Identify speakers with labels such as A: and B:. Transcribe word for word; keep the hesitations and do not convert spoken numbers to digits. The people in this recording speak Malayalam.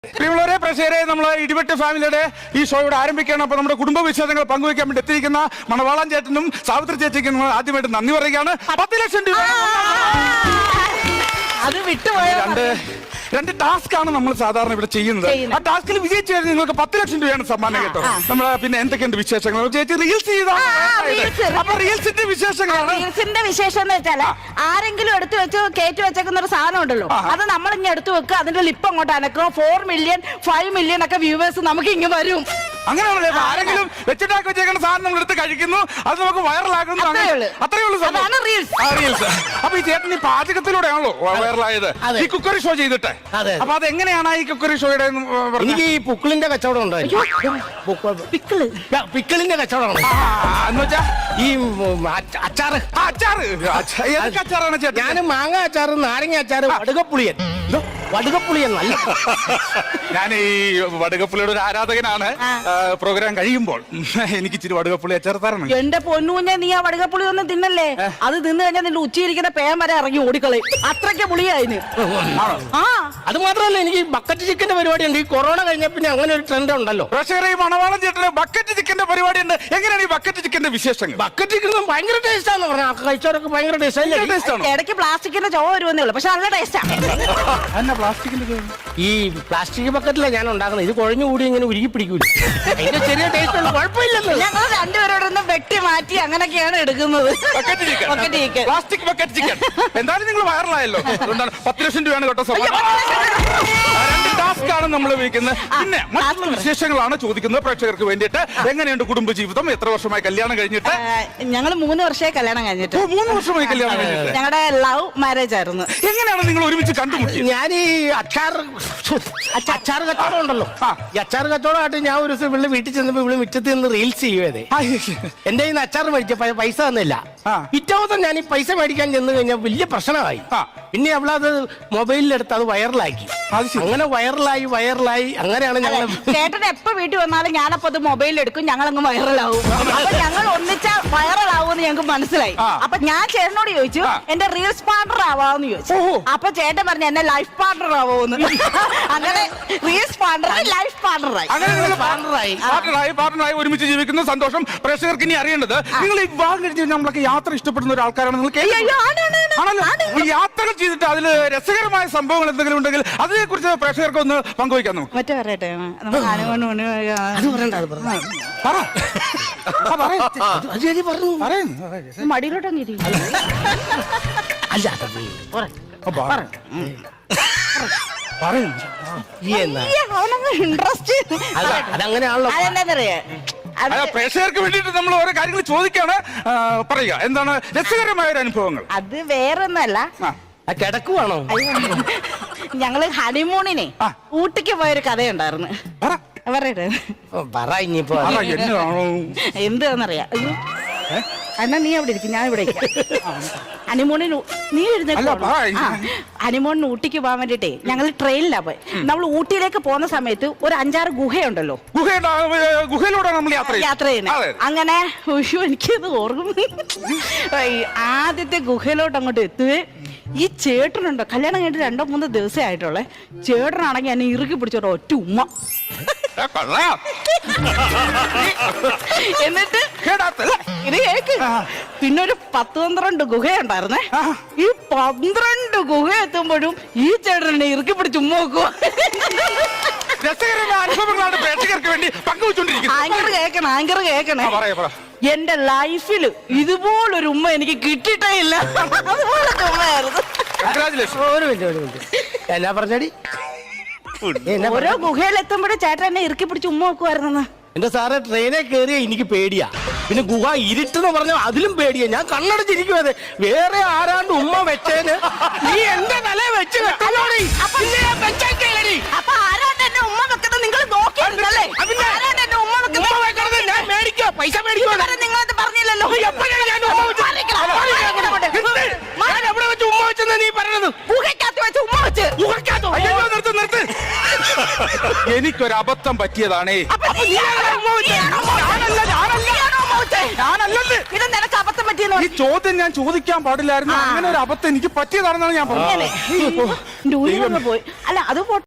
A: പ്രിയമുള്ളവരെ പ്രേക്ഷകരെ നമ്മൾ ഇടിവെട്ട് ഫാമിലിയുടെ ഈ ഷോ ഇവിടെ ആരംഭിക്കുകയാണ്. അപ്പോൾ നമ്മുടെ കുടുംബ വിശേഷങ്ങൾ പങ്കുവയ്ക്കാൻ വേണ്ടി എത്തിയിരിക്കുന്ന മണവാളൻ ചേട്ടനും സാവിത്രി ചേച്ചിക്കും ആദ്യമായിട്ട് നന്ദി പറയുകയാണ്. പത്ത് ലക്ഷം രൂപ
B: അത് വിട്ടുപോയ
A: രണ്ട് രണ്ട് ടാസ്ക് ആണ് നമ്മൾ സാധാരണ ഇവിടെ ചെയ്യുന്നത്. ആ ടാസ്കിൽ വിജയിച്ചു കഴിഞ്ഞാൽ നിങ്ങൾക്ക് പത്ത് ലക്ഷം രൂപയാണ് സമ്മാനം കേട്ടോ. നമ്മൾ പിന്നെ എന്തൊക്കെയുണ്ട് വിശേഷങ്ങൾ ചേച്ചി റീൽസ് ചെയ്താണ്. അപ്പൊ റീൽസിന്റെ വിശേഷങ്ങളാണ്.
B: റീൽസിന്റെ വിശേഷം എന്ന് വെച്ചാല് ആരെങ്കിലും എടുത്തു വെച്ച് കയറ്റി വെച്ചേക്കുന്ന ഒരു സാധനം ഉണ്ടല്ലോ, അത് നമ്മൾ ഇങ്ങനെ എടുത്തു വെക്കുക, അതിന്റെ ലിപ്പ് അങ്ങോട്ട് അനക്കുക, ഫോർ മില്യൺ ഫൈവ് മില്യൺ ഒക്കെ വ്യൂവേഴ്സ് നമുക്ക് ഇങ്ങനെ വരും.
A: അങ്ങനെയാണല്ലേ? ആരെങ്കിലും വെച്ചിട്ടാക്കി വെച്ചേക്കുന്ന സാധനം നമ്മൾ എടുത്ത് കഴിക്കുന്നു, അത് നമുക്ക് വൈറലാകുന്നു. അത്രേ ഉള്ളൂ റീൽസ്. അപ്പൊ ഈ ചേട്ടൻ ഈ പാചകത്തിലൂടെയാണല്ലോ വൈറലായത്, ഈ കുക്കറി ഷോ ചെയ്തിട്ട്. അപ്പൊ അത് എങ്ങനെയാണ് ഈ കുക്കറി ഷോയുടെ?
C: എനിക്ക് ഈ പുക്കിളിന്റെ കച്ചവടം ഉണ്ടോ?
B: പിക്കിള്
C: പിക്കിളിന്റെ കച്ചവടം
A: എന്ന് വെച്ചാ
C: ഈ അച്ചാറ്
A: അച്ചാറ് ഏതൊക്കെ അച്ചാറാണ് ചേട്ടൻ?
C: ഞാൻ മാങ്ങ അച്ചാറ്, നാരങ്ങ അച്ചാറ്, വടുകപ്പുളിയൻ. വടുകപ്പുളിയൻ നല്ല.
A: ഞാൻ ഈ വടുകപ്പുളിയുടെ ഒരു ആരാധകനാണ്. പ്രോഗ്രാം കഴിയുമ്പോൾ എനിക്ക് ഇച്ചിരി വടുകപ്പുളി അച്ചാർ തരണം.
B: എന്റെ പൊന്നുകുഞ്ഞെ, നീ ആ വടുകപ്പുളി ഒന്നും തിന്നല്ലേ. അത് തിന്നു കഴിഞ്ഞാൽ നിന്റെ ഉച്ചയിരിക്കുന്ന പേൻ വരെ ഇറങ്ങി ഓടിക്കളയും. അത്രയ്ക്ക് പുളിയായിന്. ആ
C: അത് മാത്രമല്ല, എനിക്ക് ബക്കറ്റ് ചിക്കന്റെ പരിപാടി ഉണ്ട്. ഈ കൊറോണ കഴിഞ്ഞ പിന്നെ അങ്ങനെ ഒരു ട്രെൻഡ് ഉണ്ടല്ലോ.
A: പ്രേക്ഷകരെ, ഈ മണവാളൻ ചേട്ടന് ബക്കറ്റ് ചിക്കന്റെ പരിപാടി ഉണ്ട്. എങ്ങനെയാണ് ഈ ബക്കറ്റ് ചിക്കന്റെ വിശേഷങ്ങൾ?
C: ബക്കറ്റ് ചിക്കൻ ഭയങ്കര ടേസ്റ്റ് ആണെന്ന് പറഞ്ഞാൽ കഴിച്ചവരൊക്കെ ഭയങ്കര ടേസ്റ്റ്.
B: ഇടയ്ക്ക് പ്ലാസ്റ്റിക്കിന്റെ ചുവ വരുമെന്നേ ഉള്ളൂ, പക്ഷെ നല്ല ടേസ്റ്റാ.
A: പ്ലാസ്റ്റിക്കിന്റെ
C: ഈ പ്ലാസ്റ്റിക് ബക്കറ്റിലെ ഞാൻ ഉണ്ടാക്കുന്നത്. ഇത് കുഴഞ്ഞു കൂടി ഇങ്ങനെ ഉരുകി പിടിക്കൂല. അതിന്റെ ചെറിയ ടേസ്റ്റ് ഉണ്ട്, കുഴപ്പമില്ലല്ലോ.
B: ഞങ്ങൾ രണ്ടുപേരോടൊന്ന് വെട്ടി മാറ്റി അങ്ങനെയൊക്കെയാണ് എടുക്കുന്നത്.
A: Plastic bucket chicken. എന്തായാലും നിങ്ങൾ വൈറലായല്ലോ, അതുകൊണ്ടാണ് പത്ത് ലക്ഷം രൂപയാണ് കേട്ടോ സമ്മാനം. രണ്ട് ടാസ്ക് ആണ് നമ്മൾ ഉപയോഗിക്കുന്നത്. പിന്നെ മറ്റുള്ള വിശേഷങ്ങളാണ് ചോദിക്കുന്നത് പ്രേക്ഷകർക്ക് വേണ്ടിയിട്ട്. എങ്ങനെയുണ്ട് കുടുംബജീവിതം? എത്ര വർഷമായി കല്യാണം കഴിഞ്ഞിട്ട്?
B: ഞങ്ങൾ മൂന്ന് വർഷമായി കല്യാണം കഴിഞ്ഞിട്ട്.
A: മൂന്ന് വർഷമായി കല്യാണം കഴിഞ്ഞിട്ട്.
B: ഞങ്ങളുടെ ലവ് മാരേജ് ആയിരുന്നു.
A: എങ്ങനെയാണ് നിങ്ങൾ ഒരുമിച്ച് കണ്ടുമുട്ടിയത്?
C: ഞാൻ ഈ അച്ചാർ അച്ചാർ കച്ചവടം ഉണ്ടല്ലോ, ഈ അച്ചാർ കച്ചവടമായിട്ട് ഞാൻ ഒരു ദിവസം ഇവിടെ വീട്ടിൽ ചെന്നപ്പോ ഇവിടെ മുറ്റത്ത് നിന്ന് റീൽസ് ചെയ്യുവേ. എന്റെ കയ്യിൽ നിന്ന് അച്ചാർ മേടിച്ച പൈസ തന്നില്ല. പിറ്റേ ഞാൻ ഈ പൈസ മേടിക്കാൻ ചെന്ന് കഴിഞ്ഞാൽ വലിയ പ്രശ്നമായി. പിന്നെ അവളത് മൊബൈലിലെടുത്ത് അത് വൈറലാക്കി. അങ്ങനെ വൈറലായി വൈറലായി അങ്ങനെയാണ് ഞങ്ങൾ.
B: ചേട്ടൻ എപ്പോ വീട്ടിൽ വന്നാലും ഞാനപ്പോ അത് മൊബൈലിൽ എടുക്കും, ഞങ്ങളങ്ങ് വൈറലാവും. അപ്പൊ ഞങ്ങൾ ഒന്നിച്ച വൈറലാവുമെന്ന് ഞങ്ങൾക്ക് മനസ്സിലായി. അപ്പൊ ഞാൻ ചേട്ടനോട് ചോദിച്ചു, എന്റെ റീൽസ് പാർട്ണർ ആവാന്ന് ചോദിച്ചു. അപ്പൊ ചേട്ടൻ പറഞ്ഞു എന്നെ ലൈഫ് പാർട്ണർ ആവോന്ന്. അങ്ങനെ റീൽസ് പാർട്ണർ ലൈഫ് പാർട്ണറായി.
A: പാർട്ണറായി പാർട്ണറായി ഒരുമിച്ച് ജീവിക്കുന്ന സന്തോഷം. പ്രേക്ഷകർക്ക് ഇനി അറിയേണ്ടത്, നിങ്ങൾ ഈ വിവാഹം കഴിച്ച് നമ്മളൊക്കെ യാത്ര ഇഷ്ടപ്പെടുന്ന ഒരാൾക്കാരാണ്. നിങ്ങൾ യാത്രകൾ ചെയ്തിട്ട് അതിൽ രസകരമായ സംഭവങ്ങൾ എന്തെങ്കിലും ഉണ്ടെങ്കിൽ അതിനെ കുറിച്ച് പ്രേക്ഷകർക്ക് ഒന്ന് പങ്കുവയ്ക്കാൻ നമുക്ക്.
B: മറ്റേ പറയട്ടെ, മടിയിലോട്ടൊന്നും ഇൻട്രസ്റ്റ്
C: അതങ്ങനെയാണല്ലോ.
A: പ്രേക്ഷകർക്ക് വേണ്ടിട്ട് നമ്മൾ ഓരോ കാര്യങ്ങൾ ചോദിക്കാണ്. പറയുക എന്താണ് രസകരമായ ഒരു അനുഭവങ്ങൾ?
B: അത് വേറൊന്നല്ല,
C: കിടക്കുവാണോ?
B: ഞങ്ങള് ഹണിമൂണിനെ ഊട്ടിക്ക് പോയൊരു കഥയുണ്ടായിരുന്നു. പറയട്ടെ, എന്താന്നറിയാ? എന്നാ നീ അവിടെ ഇരിക്കും, ഞാൻ ഇവിടെ ഹണിമൂണിന് നീ എഴുന്നേക്കോ. ഹണിമൂണിന് ഊട്ടിക്ക് പോകാൻ വേണ്ടിട്ടേ ഞങ്ങൾ ട്രെയിനിലാ പോയി. നമ്മൾ ഊട്ടിയിലേക്ക് പോകുന്ന സമയത്ത് ഒരു അഞ്ചാറ് ഗുഹയുണ്ടല്ലോ,
A: ഗുഹയിലൂടെ നമ്മൾ
B: യാത്ര ചെയ്യുന്നത്. അങ്ങനെ എനിക്കത് ഓർമ്മ. ആദ്യത്തെ ഗുഹയിലോട്ട് അങ്ങോട്ട് എത്തുവേ, ഈ ചേട്ടനുണ്ടോ, കല്യാണം കഴിഞ്ഞിട്ട് രണ്ടോ മൂന്നോ ദിവസമേ ആയിട്ടുള്ളേ. ചേട്ടനാണെങ്കിൽ എന്നെ ഇറുക്കി പിടിച്ചോട്ടോ ഒറ്റ ഉമ്മ. എന്നിട്ട് ഇത് കേക്ക്. പിന്നെ ഒരു പത്ത് പന്ത്രണ്ട് ഗുഹയുണ്ടായിരുന്നേ. ഈ പന്ത്രണ്ട് ഗുഹ എത്തുമ്പോഴും ഈ ചേട്ടനെ ഇറുക്കി പിടിച്ച് ഉമ്മ വെക്കുക. ആങ്കർ കേക്കണ ആങ്കർ കേക്കണേ എന്റെ ലൈഫില് ഇതുപോലൊരു ഉമ്മ എനിക്ക് കിട്ടിയിട്ടേ ഇല്ല. അതുപോലത്തെ ഉമ്മയായിരുന്നു.
C: ഒരു മിനിറ്റ് ഒരു മിനിറ്റ് എന്നാ പറഞ്ഞടി?
B: ഓരോ ഗുഹയിൽ എത്തുമ്പോഴും ചേട്ടൻ എന്നെ ഇറുക്കി പിടിച്ച് ഉമ്മ വെക്കുമായിരുന്നു.
C: എന്റെ സാറെ, ട്രെയിനെ കയറിയ എനിക്ക് പേടിയാ. പിന്നെ ഗുഹ ഇരുട്ടെന്ന് പറഞ്ഞാൽ അതിലും പേടിയാ. ഞാൻ കണ്ണടച്ചിരിക്കുവത്. വേറെ ആരാണ്ട് ഉമ്മ വെച്ചേന് നീ എന്റെ തല വെച്ച് വെക്കലോടി.
B: അപ്പൊ ആരാണ്ട് എന്നെ ഉമ്മ വെക്കുന്നത് നിങ്ങൾ നോക്കിയിരുന്നല്ലേ? ആരാണ്ട് എന്നെ ഉമ്മ വെക്കുന്നത്
C: ഞാൻ മേടിക്കോ, പൈസ മേടിക്കോ?
B: നിങ്ങളത് പറഞ്ഞില്ലല്ലോ.
C: എവിടെ വെച്ച് ഉമ്മ വെച്ചെന്ന് നീ പറഞ്ഞത്?
B: ഗുഹയ്ക്കകത്ത് വെച്ച് ഉമ്മ വെച്ച്.
A: നിർത്ത് നിർത്ത്. എനിക്കൊരു അബദ്ധം പറ്റിയതാണേ.
B: ഇത് നിനക്ക് അബദ്ധം പറ്റിയെന്ന്
A: ഈ ചോദ്യം ഞാൻ ചോദിക്കാൻ പാടില്ലായിരുന്നു. അങ്ങനെ ഒരു അബദ്ധം എനിക്ക് പറ്റിയതാണെന്നാണ് ഞാൻ പറഞ്ഞത്.
B: പോയി. അല്ല അത്